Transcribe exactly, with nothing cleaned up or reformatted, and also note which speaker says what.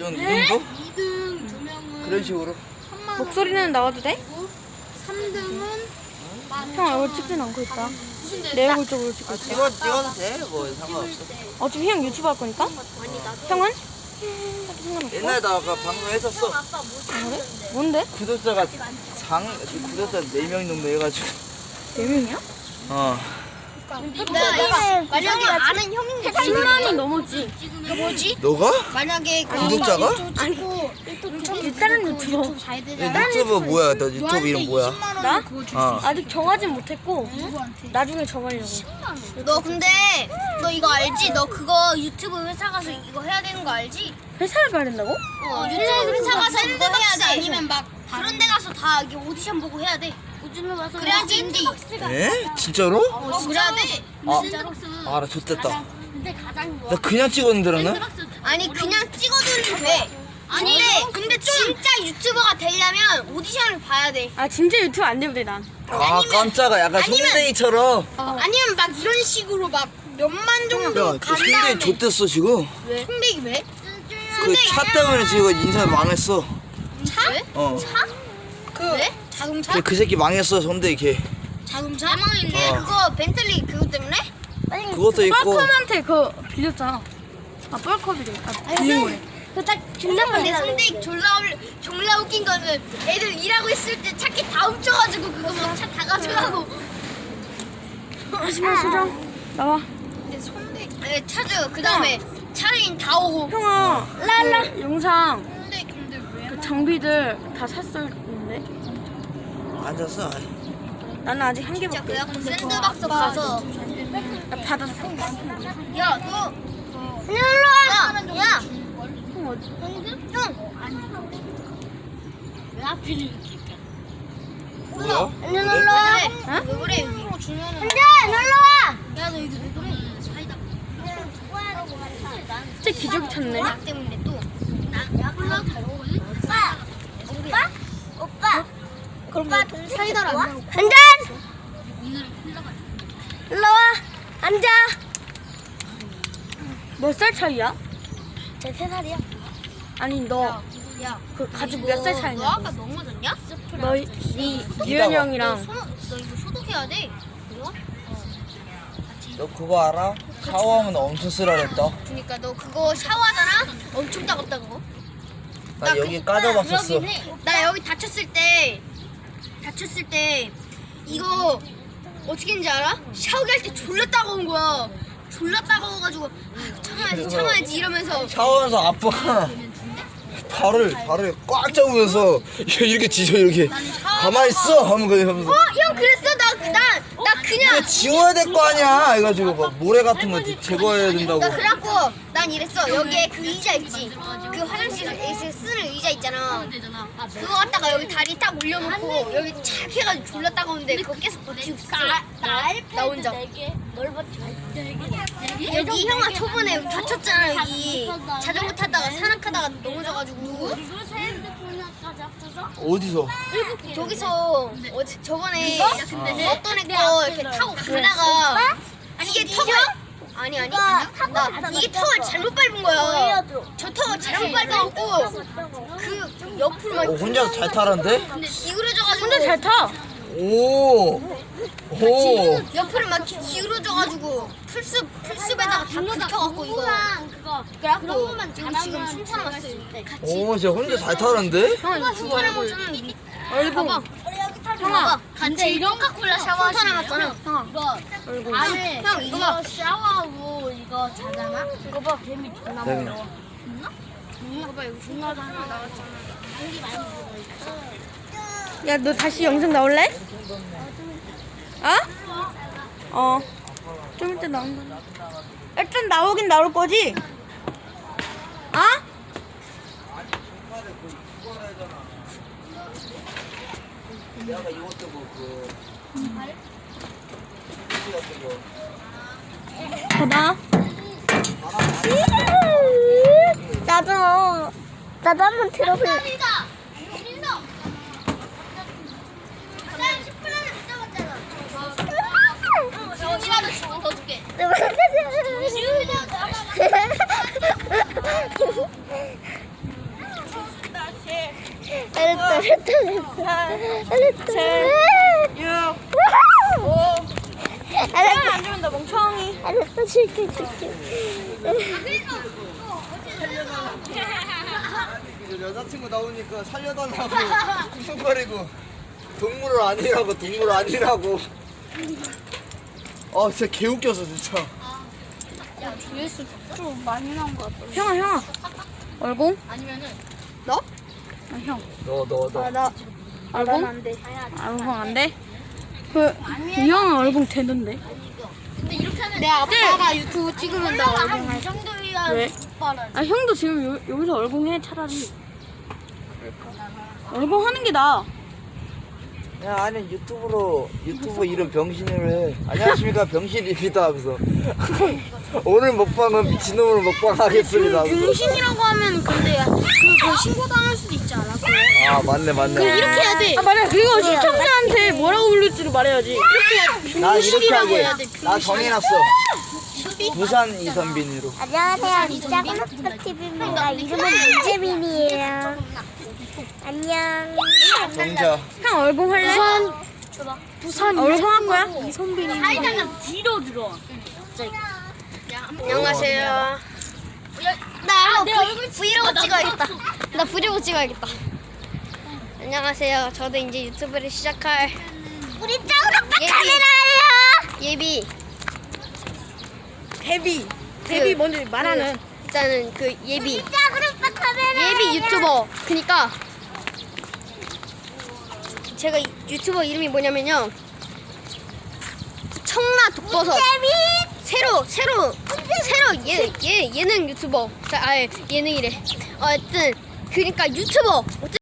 Speaker 1: 정도? 이 정도?
Speaker 2: 이 등 두 명은
Speaker 1: 그런 식으로.
Speaker 2: 삼만 원.
Speaker 3: 목소리는 나와도 돼?
Speaker 2: 삼 등은
Speaker 3: 형 얼굴 찍진 않고 있다.
Speaker 2: 무슨
Speaker 3: 내 얼굴 쪽으로 찍고
Speaker 1: 아,
Speaker 3: 있다.
Speaker 1: 찍어, 찍어도 돼. 뭐 상관없어.
Speaker 3: 어차피 형 유튜브 할 거니까? 형은? 딱히 상관없어?
Speaker 1: 옛날에 나 아까 방송 했었어.
Speaker 3: 아, 그래? 뭔데?
Speaker 1: 구독자가 장, 구독자 네 명 정도 해가지고.
Speaker 3: 네 명이야?
Speaker 1: 어.
Speaker 2: 내가 만약에 아는 형인데
Speaker 3: 십만이 넘었지.
Speaker 2: 이거 뭐지?
Speaker 1: 너가?
Speaker 2: 만약에 그
Speaker 1: 구독자가?
Speaker 3: 아니, 일단은 유튜버.
Speaker 1: 야, 유튜브 뭐야? 너 유튜브 이름 뭐야?
Speaker 3: 나?
Speaker 1: 어.
Speaker 3: 아직 정하진 못했고 나중에 정하려고.
Speaker 2: 너 근데 너 이거 알지? 너 그거 유튜브 회사 가서 이거 해야 되는 거 알지?
Speaker 3: 회사를 가야 된다고?
Speaker 2: 어, 유튜브 회사 가서 그거 해야 돼. 아니면 막 그런 데 가서 다 이게 오디션 보고 해야 돼. 그래야지 인디.
Speaker 1: 에? 진짜로?
Speaker 2: 어, 그래야 돼.
Speaker 1: 아, 나 좋댔다. 나 그냥 찍었는데, 나는?
Speaker 2: 아니 그냥 찍어도 돼. 아니 근데 근데 진짜 유튜버가 되려면 오디션을 봐야 돼.
Speaker 3: 아 진짜 유튜브 안 되면 돼 난.
Speaker 1: 아, 깜짝아. 약간
Speaker 2: 아니면-
Speaker 1: 송대이처럼.
Speaker 2: 아니면 막 이런 식으로 막 몇만 정도
Speaker 1: 야,
Speaker 2: 간
Speaker 1: 저 송대이
Speaker 2: 다음에.
Speaker 1: 좋댔어, 지금.
Speaker 2: 왜? 송대기 왜?
Speaker 1: 그 차 때문에 지금 인생 망했어.
Speaker 2: 차? 왜?
Speaker 1: 어.
Speaker 2: 차? 그 왜? 자동차?
Speaker 1: 걔 그 새끼 망했어, 송대이 걔.
Speaker 2: 자동차? 대망인데
Speaker 1: 어.
Speaker 2: 그거 벤틀리 그거 때문에?
Speaker 1: 그것도 있고.
Speaker 3: 뻘컵한테 그거 빌렸잖아. 아 뻘컵이래. 아 빌린 거래.
Speaker 2: 그딱 존나 근데 송대기 졸라 올- 졸라 웃긴 거는 애들 일하고 있을 때 차키 다 훔쳐가지고 그거 막 차 다 가져가고.
Speaker 3: 하지만 수정 나와.
Speaker 2: 근데 송대기 네, 차주 그 다음에 차주인 다 오고.
Speaker 3: 형아 랄라 영상
Speaker 2: 송대기 근데 왜?
Speaker 3: 그 장비들 다 샀었는데
Speaker 1: 앉았어.
Speaker 3: 나는 아직 한
Speaker 2: 진짜
Speaker 3: 개밖에.
Speaker 2: 그래갖고 샌드박스 가서
Speaker 3: 나 받았어.
Speaker 2: 야 너 그냥 일로 와. 야, 야.
Speaker 3: 형 어디?
Speaker 2: 형. 왜 하필 이렇게?
Speaker 1: 뭐야?
Speaker 2: 안녕 놀러 와.
Speaker 3: 어?
Speaker 2: 왜 그래 여기? 안녕 놀러 와. 야 너 여기 왜 그래? 사이다.
Speaker 3: 진짜 기적이 찼네.
Speaker 2: 약 때문에 또. 나 약올라 다르거든. 오빠. 오빠. 오빠. 그럼 오빠 사이다를 안 먹어. 한 잔. 오늘은 콜라가.
Speaker 3: 일로 와. 앉아. 몇 살 차이야?
Speaker 2: 제 세 살이야.
Speaker 3: 아니 너
Speaker 2: 야.
Speaker 3: 그 가족 몇 살 차이냐?
Speaker 2: 너 아까 넘어졌냐?
Speaker 3: 너, 니, 유현 형이랑
Speaker 2: 너, 너 이거 소독해야 돼. 이거?
Speaker 1: 너 그거 알아? 샤워하면 엄청 쓰라랬다.
Speaker 2: 그니까 너 그거 샤워하잖아? 엄청 따갑다 그거.
Speaker 1: 나 여기 까져봤었어.
Speaker 2: 나 여기 다쳤을 때 다쳤을 때 이거 어떻게 했는지 알아? 샤워기 할 때 졸라 따가운 거야. 졸라 따가워가지고 아, 참아야지 참아야지 이러면서
Speaker 1: 샤워하면서 아빠가 발을 발을 꽉 잡으면서 이렇게 지져 이렇게 가만히 있어 하면 그냥 하면서
Speaker 2: 어? 형 그랬어? 나, 나, 나 그냥
Speaker 1: 이거 지워야 될 거 아니야 해가지고 막 모래 같은 거 제거해야 된다고.
Speaker 2: 나 그래갖고 난 이랬어. 여기에 그 의자 있지? 그 화장실에서 쓰는 의자 있잖아. 그거 갖다가 여기 다리 딱 올려놓고 여기 착 해가지고 졸라 따가운데 그거 계속 버티고 있어. 나 혼자. 여기 형아 저번에 여기 다쳤잖아. 여기 자전거 타다가 산악하다가 넘어져가지고 누구?
Speaker 1: 어디서?
Speaker 2: 저기서 어제 저번에 어떤 애 거 이렇게 타고 가다가 이게 턱을 아니 아니 나 이게 턱을 잘못 밟은 거야. 저 턱을 잘못 밟아갖고 그 옆으로 막
Speaker 1: 어, 혼자 잘 타란데?
Speaker 2: 기울어져가지고
Speaker 3: 혼자 잘 타.
Speaker 1: 오. 오.
Speaker 2: 옆으로 막 기- 기울어져가지고 풀숲 풀숲에다가 다 긁혀갖고 이거 그래갖고 지금 지금 춘천 왔어요.
Speaker 1: 오, 진짜 혼자 잘 타는데?
Speaker 2: 형아 춘천 왔잖아.
Speaker 3: 얼굴.
Speaker 2: 형아 근데 이런 코카콜라 샤워 춘천 왔잖아. 형아
Speaker 3: 얼굴.
Speaker 2: 안에 형 이거 봐.
Speaker 4: 샤워하고 이거 자잖아? 이거 봐, 개미 존나
Speaker 1: 네.
Speaker 4: 많아.
Speaker 2: 이거 봐 여기 존나 하나 나왔잖아.
Speaker 3: 야, 너 다시 영상 나올래? 어? 어. 좀 이따 나온다. 일단 나오긴 나올 거지? 어?
Speaker 1: 내가 이것도 뭐그
Speaker 3: 봐봐.
Speaker 4: 나도, 나도 한번 들어볼래.
Speaker 2: 민서! 민서! 나 십 분 안에 못 잡았잖아. 지훈이라도 십 분 더 줄게. 지훈이라도 잘했다, 잘했다, 잘했다.
Speaker 3: 육,
Speaker 2: 잘했다.
Speaker 3: 안 주면 너 멍청이.
Speaker 2: 잘했다, 줄게, 줄게.
Speaker 1: 여자친구 나오니까 살려달라고 쿵쿵거리고 동물 아니라고 동물 아니라고. 아 진짜 개웃겨서 진짜.
Speaker 4: 조회수 좀 많이 나온 것 같아.
Speaker 3: 형아, 형아. 얼공?
Speaker 4: 아니면은
Speaker 3: 너? 아, 형.
Speaker 1: 너 너 너.
Speaker 2: 나,
Speaker 3: 얼공?
Speaker 2: 안 돼.
Speaker 3: 얼공 안 돼? 그, 이 형은 얼공 되는데.
Speaker 4: 근데 이렇게 하면
Speaker 2: 내 아빠가 유튜브 찍으면 나 얼굴
Speaker 4: 한이 정도야.
Speaker 3: 왜?
Speaker 4: 빠른.
Speaker 3: 아, 형도 지금 요, 여기서 얼공해, 차라리. 얼공 하는 게 나아.
Speaker 1: 야 아니 유튜브로 유튜브 이름 병신으로 해. 안녕하십니까 병신입니다 하면서 오늘 먹방은 미친놈으로 먹방 하겠습니다 하면서.
Speaker 3: 병신이라고 하면 근데 그, 그 신고당할 수도 있지 않아? 그거.
Speaker 1: 아 맞네 맞네.
Speaker 3: 이렇게 해야 돼. 아, 맞아. 그리고 시청자한테 뭐라고 부를지를 말해야지. 이렇게
Speaker 1: 나 이렇게
Speaker 3: 병신이라고
Speaker 1: 하게.
Speaker 3: 해야 돼.
Speaker 1: 나 정해놨어. 부산 이선빈으로.
Speaker 2: 안녕하세요, 리자구나티비입니다. 이름은 민재민이에요. 안녕.
Speaker 1: 정자.
Speaker 3: 형 얼공 할래?
Speaker 4: 줘봐.
Speaker 3: 부산 얼공 할 거야? 이선빈이.
Speaker 4: 사이다가 뒤로 들어와.
Speaker 2: 안녕하세요. 나 이거 브- 브이로그 찍어야겠다. 나 브이로그 찍어야겠다. 안녕하세요. 저도 이제 유튜브를 시작할 우리 짱으로 카메라예요. 예비.
Speaker 3: 데뷔. 데뷔 먼저 말하는.
Speaker 2: 일단은 그 예비.
Speaker 4: 짱으로 카메라.
Speaker 2: 예비 유튜버. 그니까 제가 이- 유튜버 이름이 뭐냐면요. 청라 독버섯. 새로 새로 새로 예, 예 예능 유튜버. 자, 아 예능이래. 어쨌든 그러니까 유튜버.